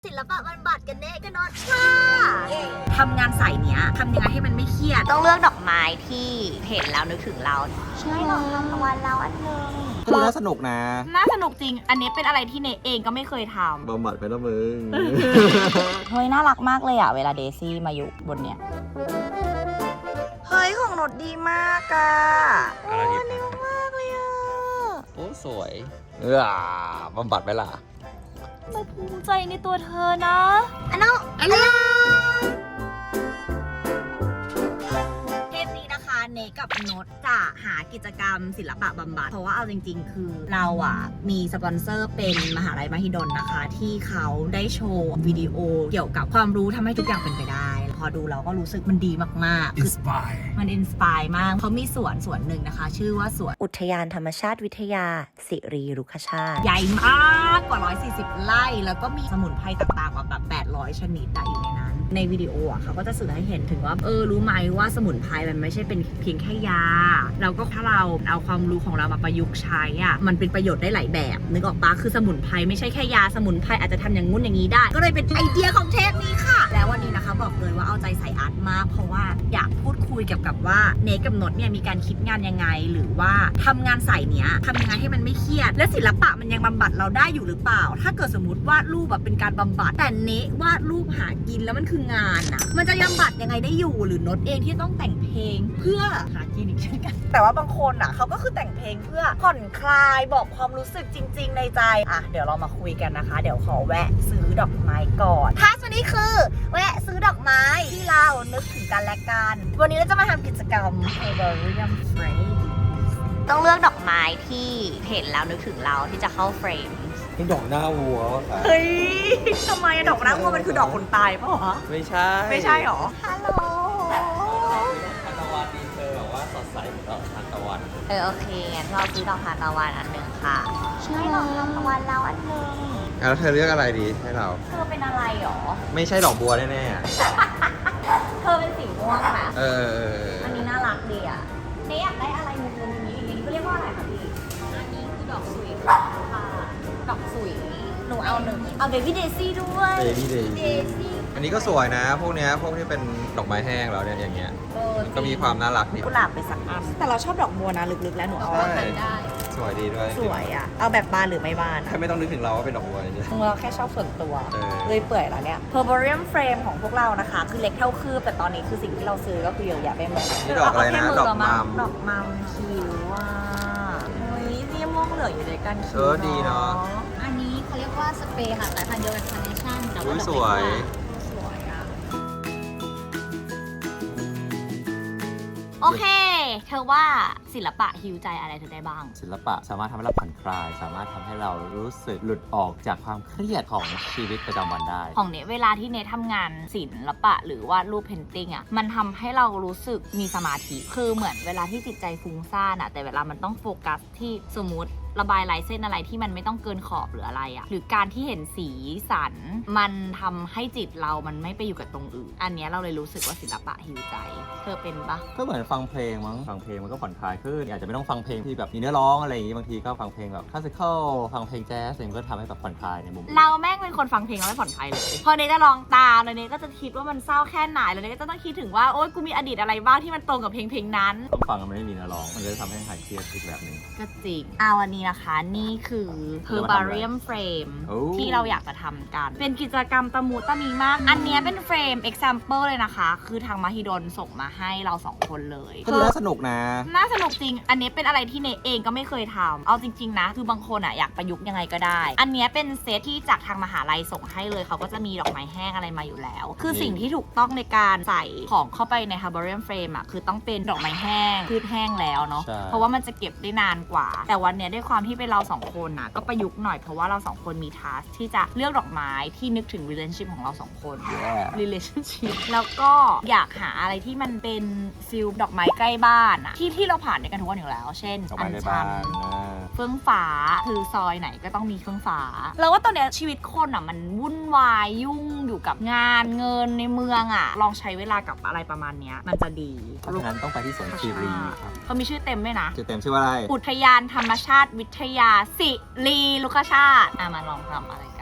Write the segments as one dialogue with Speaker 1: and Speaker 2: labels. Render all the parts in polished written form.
Speaker 1: ศิลปะบำบัดกันเน่กันนอนค่ะทำงานสายเนี้ยทำยังไงให้มันไม่เครียดต้องเลือกดอกไม้ที่เห็นแล้วนึกถึงเราใช่ดอกทานตะวันเราอันนึง
Speaker 2: ดูน่าสนุกนะ
Speaker 1: น่าสนุกจริงอันนี้เป็นอะไรที่เนเองก็ไม่เคยทำ
Speaker 2: บำบัดไปแล้วมึง
Speaker 1: เฮ้ยน่ารักมากเลยอะเวลาเดซี่มาอยู่บนเนี้ยเฮ้ยของนดดีมากอะ
Speaker 2: อะไรดี
Speaker 1: ดีมากเลยอะ
Speaker 2: โอ้สวยบำบัดไปล่ะ
Speaker 1: เราภูมิใจในตัวเธอนะอันนั้นเทปนี้นะคะเนกับนดจะหากิจกรรมศิลปะบำบัดเพราะว่าเอาจริงๆคือเราอ่ะมีสปอนเซอร์เป็นมหาลัยมหิดลนะคะที่เขาได้โชว์วิดีโอเกี่ยวกับความรู้ทำให้ทุกอย่างเป็นไปได้พอดูเราก็รู้สึกมันดีมากๆคือมันอินสปายมากเขามีสวนหนึ่งนะคะชื่อว่าสวน
Speaker 3: อุทยานธรรมชาติวิทยาสิริรุกชาติ
Speaker 1: ใหญ่มากกว่า140 ไร่แล้วก็มีสมุนไพรต่างๆกว่าแบบ800ชนิดอยู่ในนั้นในวิดีโออ่ะเขาก็จะสื่อให้เห็นถึงว่ารู้ไหมว่าสมุนไพรมันไม่ใช่เป็นเพียงแค่ยาแล้วก็ถ้าเราเอาความรู้ของเรามาประยุกต์ใช้อ่ะมันเป็นประโยชน์ได้หลายแบบนึกออกปะคือสมุนไพรไม่ใช่แค่ยาสมุนไพรอาจจะทำอย่างงู้นอย่างนี้ได้ก็เลยเป็นไอเดียของเทปนี้ค่ะแล้ววันนี้นะคะบอกเลยว่าเอาใจใส่อาร์ตมากเพราะว่าอยากพูดคุยเกี่ยวกับว่าเนกับนดเนี่ยมีการคิดงานยังไงหรือว่าทำงานสายเนี้ยทำยังไงให้มันไม่เครียดและศิลปะมันยังบำบัดเราได้อยู่หรือเปล่าถ้าเกิดสมมติวาดรูปแบบเป็นการบำบัดแต่เนวาดรูปหากินแล้วมันคืองานอะมันจะบำบัดยังไงได้อยู่หรือนดเองที่ต้องแต่งเพลงเพื่อหากินอีกเช่นกันแต่ว่าบางคนอะเขาก็คือแต่งเพลงเพื่อผ่อนคลายบอกความรู้สึกจริงๆในใจอ่ะเดี๋ยวเรามาคุยกันนะคะเดี๋ยวขอแวะซื้อดอกไม้ก่อนทัสวันนี้คือแวะซื้อดอกไม้ที่เรานึกถึงกันและกันวันนี้เราจะมาทำกิจกรรม Herbarium Frame ต้องเลือกดอกไม้ที่เห็นแล้วนึกถึงเราที่จะเข้าเฟรม
Speaker 2: นี่ดอกหน้าวัวค่ะ
Speaker 1: เฮ้ยทำไมดอกหน้าวัวมันคือดอกคนตายป่ะวะ
Speaker 2: ไม่ใช่
Speaker 1: หรอฮัลโหล
Speaker 2: ทานตะวันดีเธอแบบว่าสดใสเหมือนดอกทานตะวัน
Speaker 1: โอเคงั้นเราซื้อดอกทานตะวันอันหนึ่งค่ะใช่ดอกทานตะวันเราอันหนึ่ง
Speaker 2: แล้วเธอเลือกอะไรดีให้เรา
Speaker 1: เธอเป็นอะไรหรอ
Speaker 2: ไม่ใช่ดอกบัวแน่
Speaker 1: เธอเป็นสีม่วงนะ
Speaker 2: อั
Speaker 1: นนี้น่ารักดีอ่ะเนี่ยอยากได้อะไรมุมๆอย่างนี้ก็เรียกว่าอะไรคะพี่อันนี้คือดอกสุยค่ะดอกสุยหนูเอาหนึ่งเอาเบบี้เดซี่ด้วย
Speaker 2: เบบี้เดซี่อันนี้ก็สวยนะพวกที่เป็นดอกไม้แห้งแล้วเนี่ยอย่างเงี้ยก็มีความน่ารักดี
Speaker 1: กุหลาบไปสักอันแต่เราชอบดอกบัวนะลึกๆแล้วหนูเอาได้
Speaker 2: สวยดีด้วย
Speaker 1: สวยอ่ะเอาแบบบานหรือไม่บาน
Speaker 2: แค่ไม่ต้องนึกถึงเราว่าเป็นดอกบัวเลย
Speaker 1: เราแค่ชอบส่วนตัวเลยเปื่อยแล้วเนี่ย Herbarium Frame ของพวกเรานะคะคือเล็กเท่าคืบแต่ตอนนี้คือสิ่งที่เราซื้อก็คือเยอะแยะไปหมด
Speaker 2: นี่ดอกอะไรนะดอก
Speaker 1: มัมคิวว่าเฮ้ยนี่ม่วงเหลืองอยู่ในกันคิว
Speaker 2: ดีเนาะ
Speaker 1: อันนี้เขาเรียกว่าสเปรย์ค่ะสายพันธุ์เดียวกับคาร์เนชั่นแต่ว่า
Speaker 2: สวย
Speaker 1: โอเคเธอว่าศิลปะฮีลใจอะไรเธอได้บ้าง
Speaker 2: ศิลปะสามารถทำให้เราผ่อนคลายสามารถทำให้เรารู้สึกหลุดออกจากความเครียดของชีวิตประจำวันได้
Speaker 1: ของเนเวลาที่เนทำงานศิลปะหรือวาดรูปเพนติ้งอ่ะมันทำให้เรารู้สึกมีสมาธิคือเหมือนเวลาที่จิตใจฟุ้งซ่านอ่ะแต่เวลามันต้องโฟกัสที่สมมติระบายลายเส้นอะไรที่มันไม่ต้องเกินขอบหรืออะไรอ่ะหรือการที่เห็นสีสันมันทำให้จิตเรามันไม่ไปอยู่กับตรงอื่นอันนี้เราเลยรู้สึกว่าศิลปะฮีลใจเธอเป็นปะ
Speaker 2: ก็เหมือนฟังเพลงมั้งฟังเพลงมันก็ผ่อนคลายขึ้นอาจจะไม่ต้องฟังเพลงที่แบบมีเนื้อร้องอะไรอย่างงี้บางทีก็ฟังเพลงแบบคลาสสิคอลฟังเพลงแจ๊สมันก็ทำให้แบบผ่อนคลายในมุม
Speaker 1: เราแม่งเป็นคนฟังเพลงแล้วไม่ผ่อนคลายเลยพอเนจะลองตามแล้วเนก็จะคิดว่ามันเศร้าแค่ไหนแล้วเนก็จะต้องคิดถึงว่าโอ๊ยกูมีอดีตอะไรบ้างที่มันตรงกับเพลงนั้น
Speaker 2: ต้องฟังมันไม่มีเนื้อร้องมันจะทำให้หายเครียดอีกแบบนึง
Speaker 1: ก็จริงวันนี้นะคะนี่คือ Herbarium Frame ที่เราอยากจะทำกันเป็นกิจกรรมตะมูตะมีมากอันนี้เป็นเฟรม example เลยนะคะคือทางมหิดลส่งมาให้เรา2คนเลย
Speaker 2: ก็ดูน่าสนุกนะ
Speaker 1: น่าสนุกจริงอันนี้เป็นอะไรที่เนเองก็ไม่เคยทำเอาจริงๆนะคือบางคนอยากประยุกต์ยังไงก็ได้อันนี้เป็นเซตที่จากทางมหาลัยส่งให้เลยเขาก็จะมีดอกไม้แห้งอะไรมาอยู่แล้วคือสิ่งที่ถูกต้องในการใส่ของเข้าไปใน Herbarium Frame คือต้องเป็นดอกไม้แห้งพืชแห้งแล้วเนาะเพราะว่ามันจะเก็บได้นานกว่าแต่วันนี้ด้วยความที่เป็นเรา2คนก็ประยุกต์หน่อยเพราะว่าเรา2คนมีทัสที่จะเลือกดอกไม้ที่นึกถึง relationship ของเรา2คน relationship แล้วก็อยากหาอะไรที่มันเป็นฟิลดอกไม้ใกล้บ้านที่เราผ่านในกันทุกวันอยู่แล้วเช่น
Speaker 2: อัญชัน
Speaker 1: เฟื่องฟ้าคือซอยไหนก็ต้องมีเฟื่องฟ้าแล้วว่าตอนนี้ชีวิตคนมันวุ่นวายยุ่งอยู่กับงานเงินในเมืองลองใช้เวลากับอะไรประมาณนี้มันจะดี
Speaker 2: เพราะฉะนั้นต้องไปที่สวนคีรี
Speaker 1: เขามีชื่อเต็มด้วยนะ
Speaker 2: ชื่อเต็มชื่อว่าอะไร
Speaker 1: อุทยานธรรมชาติวิทยาสิริรุกชาติมาลองทำอะไรกัน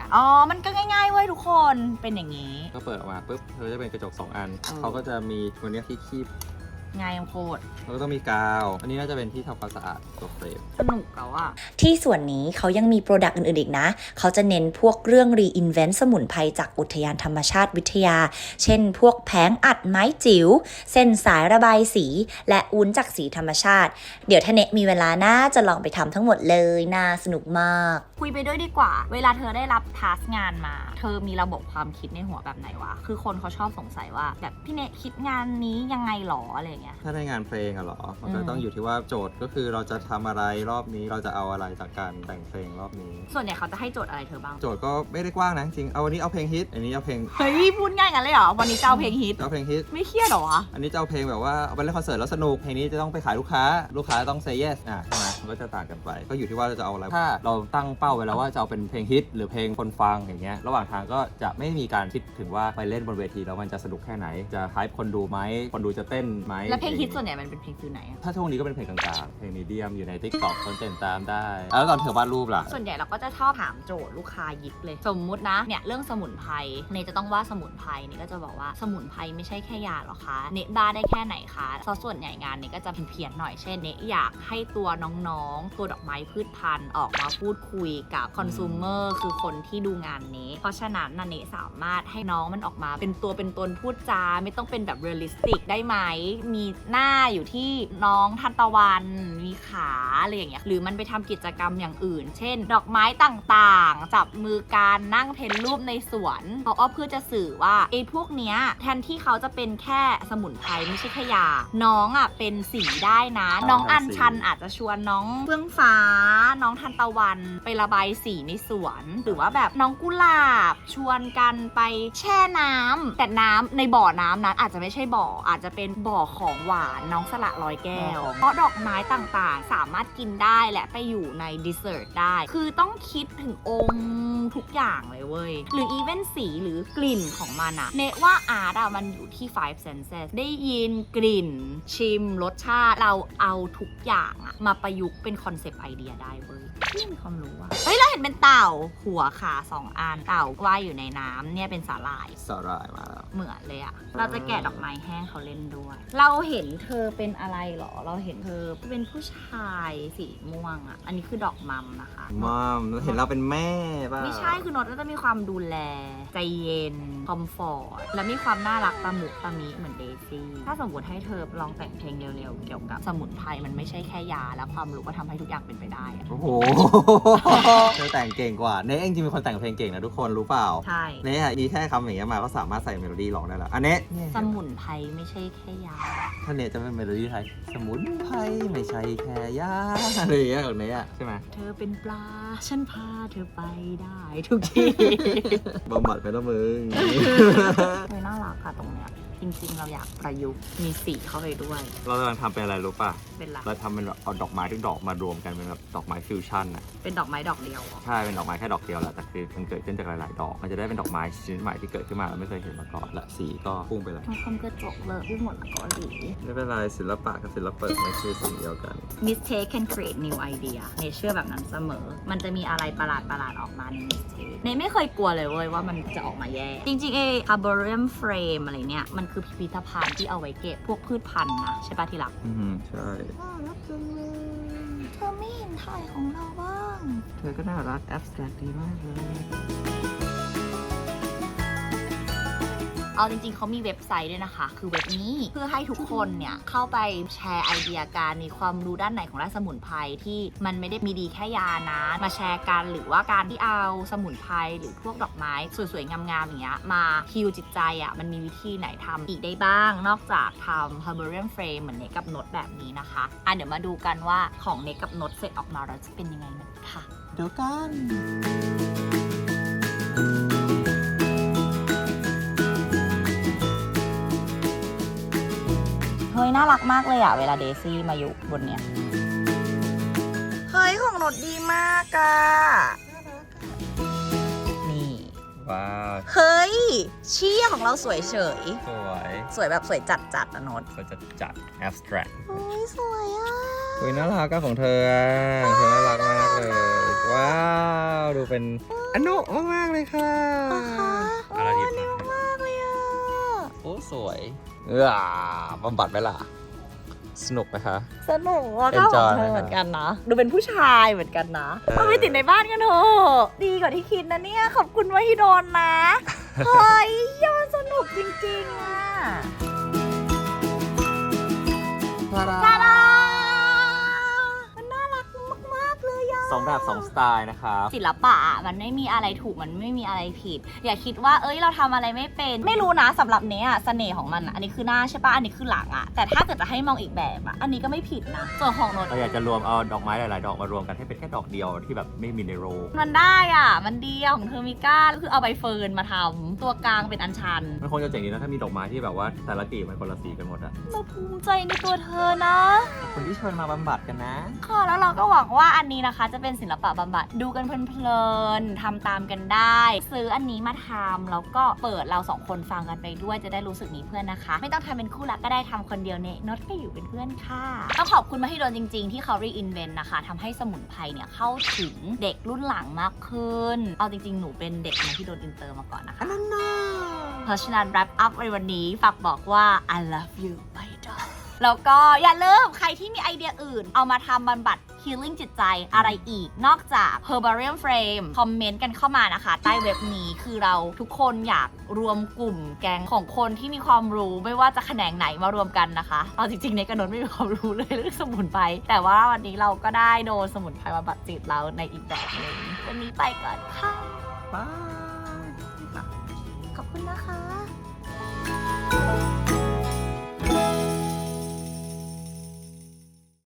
Speaker 1: อ๋อมันก็ง่ายๆเว้ยทุกคนเป็นอย่างนี้
Speaker 2: ก็เปิดออกมาปุ๊บเธอจะเป็นกระจก2 อันเขาก็จะมีตัวนี้ที่คีบ
Speaker 1: ง่ายโคตร
Speaker 2: แล้วก็ต้องมีกาว อันนี้น่าจะเป็นที่ทำความสะอาดตัวเฟรม
Speaker 1: สนุกแล้วอะ
Speaker 3: ที่ส่วนนี้เขายังมีโปรดักต์อื่นๆอีกนะเขาจะเน้นพวกเรื่อง reinvent สมุนไพรจากอุทยานธรรมชาติวิทยาเช่นพวกแผงอัดไม้จิ๋วเส้นสายระบายสีและวุ้นจากสีธรรมชาติเดี๋ยวถ้าเนมีเวลาน่าจะลองไปทำทั้งหมดเลยน่าสนุกมาก
Speaker 1: คุยไปด้วยดีกว่าเวลาเธอได้รับทัสงานมาเธอมีระบบความคิดในหัวแบบไหนวะคือคนเขาชอบสงสัยว่าแบบพี่เนคิดงานนี้ยังไงหรออะไรเงี้ย
Speaker 2: ถ้าได้งานเพลงอะหรอมันก็ต้องอยู่ที่ว่าโจทย์ก็คือเราจะทำอะไรรอบนี้เราจะเอาอะไรจากการแต่งเพลงรอบนี้
Speaker 1: ส่วนใหญ่เขาจะให้โจทย์อะไรเธอบ้าง
Speaker 2: โจทย์ก็ไม่ได้กว้างนะจริงเอาวันนี้เอาเพลงฮิตอันนี้เอาเพลง
Speaker 1: เฮ้ยพูดง่ายกันเลยเหรอวันนี้จะเอาเพลงฮิต
Speaker 2: เอาเพลงฮิต
Speaker 1: ไม่เครียดหรอวะ
Speaker 2: อันนี้จะเอาเพลงแบบว่าเอาไปเล่นคอนเสิร์ตแล้วสนุกเพลงนี้จะต้องไปขายลูกค้าต้อง say yes ใช่ไหมมันก็จะต่างกันไปก็อยู่ที่ว่าเราจะเอาอะไรถ้าเราตั้งเป้าไว้แล้วว่าจะเอาเป็นเพลงฮิตหรือเพลงคนฟังอย่างเงี้ยระหว่างทางก็จะไม่มีการคิดถึงว่าไปเล่นบนเวทีแล้วมันจะสนุกแค่ไหนจะไฮป์คนดูไหมคนดูจะเต้นไหม
Speaker 1: แล้วเพลงฮิตส่วนใหญ่มันเป็นเพลงฟิลไหน
Speaker 2: ถ้าช่วงนี้ก็เป็นเพลงกลางๆเพลงมีเดียมอยู่ใน TikTok คนเต้นตามได้แล้วตอนเธอวาดรูปล่ะ
Speaker 1: ส่วนใหญ่เราก็จะชอบถามโจทย์ลูกค้ายิบเลยสมมุตินะเนี่ยเรื่องสมุนไพรเนจะต้องวาดสมุนไพรเนก็จะบอกว่าสมุนไพรไม่ใช่แค่ยาหรอคะเนบ้าได้แค่ไหนคะส่วนใหญ่งานเนก็จะเพี้ยนหน่อยเช่นเนอยากให้ตัวน้องๆตัวดอกไม้พืชพันธุ์ออกมาพูดคุยกับคอน sumer คือคนที่ดูงานนี้เพราะฉะนั้นเนสามารถให้น้องมันออกมาเป็นตัวเป็นตนพูดจาไม่ต้องเป็นแบบเรียลลิสติกได้ไหมมีหน้าอยู่ที่น้องทันตะวันมีขาอะไรอย่างเงี้ยหรือมันไปทำกิจกรรมอย่างอื่นเช่นดอกไม้ต่างๆจับมือการนั่งเพ้นรูปในสวนเขาเพื่อจะสื่อว่าไอ้พวกเนี้ยแทนที่เขาจะเป็นแค่สมุนไพรไม่ใช่แค่ยาน้องอ่ะเป็นสีได้นะน้องอัญชันอาจจะชวนน้องเฟื่องฟ้าน้องทันตะวันไประบายสีในสวนหรือว่าแบบน้องกุหลาบชวนกันไปแช่น้ำแต่น้ำในบ่อน้ำนั้นอาจจะไม่ใช่บ่ออาจจะเป็นบ่อของหวานน้องสละลอยแก้วเพราะดอกไม้ต่างๆสามารถกินได้และไปอยู่ในดิเซอร์ตได้คือต้องคิดถึงองค์ทุกอย่างเลยเว้ยหรืออีเวนสีหรือกลิ่นของมันอะเนว่าอาร์ตอะมันอยู่ที่ five senses ได้ยินกลิ่นชิมรสชาติเราเอาทุกอย่างอะมาประยุกต์เป็นคอนเซปต์ไอเดียได้เว้ยที่มีความรู้อะเฮ้ยเราเห็นเป็นเต่าหัวขา2 อันเต่าว่ายอยู่ในน้ำเนี่ยเป็นสาหร่าย
Speaker 2: มาแล้ว
Speaker 1: เหมือนเลยอะเราจะแกะดอกไม้แห้งเขาเล่นด้วยเราเห็นเธอเป็นอะไรหรอเราเห็นเธอเป็นผู้ชายสีม่วงอะอันนี้คือดอกมัมนะคะ
Speaker 2: มัมเห็นเราเป็นแม่ป่ะ
Speaker 1: ไม่ใช่คือโนตก็จะมีความดูแลใจเย็นคอมฟอร์ตและมีความน่ารักตะมุตะมิเหมือนเดซี่ถ้าสมมติให้เธอลองแต่งเพลงเร็วๆเกี่ยวกับสมุนไพรมันไม่ใช่แค่ยาและความรู้ก็ทำให้ทุกอย่างเป็นไปได้
Speaker 2: โอ้โหเธอแต่งเก่งกว่าเนเองจริงเป็นคนแต่งเพลงเก่งนะทุกคนรู้เปล่า
Speaker 1: ใช่
Speaker 2: เนมีแค่คำอย่างเงี้ยมาก็สามารถใส่เมโลดี้ร้องได้แล้วอันนี้
Speaker 1: สมุนไพรไม่ใช่แค่ยา
Speaker 2: ถ้าเนจะเป็นเมโลดี้ไทยสมุนไพรไม่ใช่แค่ยาอะไรอย่างเงี้ยของเนใช่ไหม
Speaker 1: เธอเป็นปลาฉันพาเธอไปได้ทุกที่
Speaker 2: บำบัดไปแล้วมึง
Speaker 1: ไม่น่ารักค่ะตรงเนี้ยจริงๆเราอยากประยุกต์มีสีเข้าไปด้วย
Speaker 2: เรากำลังทำเป็นอะไรรู้ป่ะ
Speaker 1: เป็นอะไร
Speaker 2: เราทำเป็นเอาดอกไม้ทุกดอกมารวมกันเป็นแบบดอกไม้ฟิวชั่นอ่ะ
Speaker 1: เป็นดอกไม้ดอกเดียว
Speaker 2: ใช่เป็นดอกไม้แค่ดอกเดียวแหละแต่คือมันเกิดขึ้นจากหลายๆดอกมันจะได้เป็นดอกไม้ชนิดใหม่ที่เกิดขึ้นมาเราไม่เคยเห็นมาก่อนและสีก็พุ่งไปเลย
Speaker 1: ทำความกระจกเลยไปหมดแล้วก็ดี
Speaker 2: ไม่เป็นไรศิลปะกับศิลปะไม่คือสิ่งเดียวกัน
Speaker 1: Mistake can create new idea เนเชื่อแบบนั้นเสมอมันจะมีอะไรประหลาดออกมาใน Mistake เนไม่เคยกลัวเลยเว้ยว่ามันจะออกมาแย่จริงๆHerbarium Frame อะไรเนี่ยมันคือพิพิธภัณฑ์ที่เอาไว้เก็บพวกพืชพันธุ์นะใช่ป่ะที่รัก
Speaker 2: ใช่
Speaker 1: รักจังเลยเธอไม่เห็นถ่ายของเราบ้าง
Speaker 2: เธอก็น่ารักแอบสแตรกดีมากเลย
Speaker 1: เอาจริงๆเขามีเว็บไซต์ด้วยนะคะคือเว็บนี้เพื่อให้ทุกคนเนี่ยเข้าไปแชร์ไอเดียการมีความรู้ด้านไหนของด้านสมุนไพรที่มันไม่ได้มีดีแค่ยานะมาแชร์กันหรือว่าการที่เอาสมุนไพรหรือพวกดอกไม้สวยๆงามๆอย่างเงี้ยมาฮีลจิตใจอ่ะมันมีวิธีไหนทำอีกได้บ้างนอกจากทำ Herbarium Frame เหมือนเนกับโนตแบบนี้นะคะเดี๋ยวมาดูกันว่าของเนกับโนตเสร็จออกมาแล้วจะเป็นยังไงนะคะ
Speaker 2: เดี๋ยวกัน
Speaker 1: เฮ้ยน่ารักมากเลยอะเวลาเดซี่มาอยู่บนเนี้ยเฮ้ยของโนดดีมากอะนี่
Speaker 2: ว้าว
Speaker 1: เฮ้ยเชี่ยของเราสวยเฉย
Speaker 2: สวย
Speaker 1: แบบสวยจัดนะโนด
Speaker 2: สวยจัด abstract
Speaker 1: เฮ้ยสวยอะ
Speaker 2: น่ารักของเธอเธอน่ารักมากเลยว้าว้าวดูเป็นอนุมากๆเลยค่ะอะไรดีมากเลยอ่ะโอ้สวยบำบัดไหมล่ะสนุกไหมคะ
Speaker 1: สนุกว่าเข้าของเธอเหมือนกันนะดูเป็นผู้ชายเหมือนกันนะเอาไปติดในบ้านกันเถอะดีกว่าที่คิดนะเนี่ยขอบคุณว่าที่โดนนะเฮ้ยยอดสนุกจริงๆอ่ะตาดามันน่ารักมากๆเลยอ่ะ
Speaker 2: 2 แบบ 2 สไตล์นะครับ
Speaker 1: ศิลปะมันไม่มีอะไรถูกมันไม่มีอะไรผิด อย่าคิดว่าเอ้ยเราทำอะไรไม่เป็นไม่รู้นะสำหรับเนี้ยเสน่ห์ของมันอะอันนี้คือหน้าใช่ปะอันนี้คือหลังอะแต่ถ้าเกิดจะให้มองอีกแบบอะอันนี้ก็ไม่ผิดนะส่วนของโนต
Speaker 2: เราอยากจะรวมเอาดอกไม้หลายๆ ดอกมารวมกันให้เป็นแค่ดอกเดียวที่แบบไม่มีในโรล
Speaker 1: มันได้อ่ะมันดีอะของเธอมิก้าคือเอาใบเฟิร์นมาทำตัวกลางเป็นอัญชัน
Speaker 2: มันคงจะเจ๋งดีนะถ้ามีดอกไม้ที่แบบว่าแต่ละกลีบมันคนละสีกันหมดอะ
Speaker 1: เราภูมิใจในตัวเธอนะ
Speaker 2: คนที่เชิญมาบำบัดกันนะ
Speaker 1: ค่ะแล้วเราก็หวังว่าอันนี้นะคะจะเป็นศิลปะบำบัดดูกันเพลินๆทำตามกันได้ ซื้ออันนี้มาทำแล้วก็เปิดเรา2 คนฟังกันไปด้วยจะได้รู้สึกมีเพื่อนนะคะ ไม่ต้องทำเป็นคู่รักก็ได้ทำคนเดียวเนี่ยน็อตก็อยู่เป็นเพื่อนค่ะต้องขอบคุณมาให้โดนจริงๆที่เขา reinvent นะคะทำให้สมุนไพรเนี่ยเข้าถึงเด็กรุ่นหลังมากขึ้นเอาจริงๆหนูเป็นเด็กมาที่โดนอินเตอร์มาก่อนนะคะเพราะฉะนั้น wrap up ในวันนี้ฝากบอกว่า I love you my dog แล้วก็อย่าลืมใครที่มีไอเดียอื่นเอามาทำบำบัด healing จิตใจอะไรอีกนอกจาก Herbarium Frame คอมเมนต์กันเข้ามานะคะใต้เว็บนี้คือเราทุกคนอยากรวมกลุ่มแก๊งของคนที่มีความรู้ไม่ว่าจะแขนงไหนมารวมกันนะคะเอาจริงๆในกระโดดไม่มีความรู้เลยเรื่องสมุนไพรแต่ว่าวันนี้เราก็ได้โดนสมุนไพรบำบัดจิตเราในอีกแบบหนึงวันนี้ไปก่อนค่ะ
Speaker 2: บาย
Speaker 1: ขอบคุณนะคะ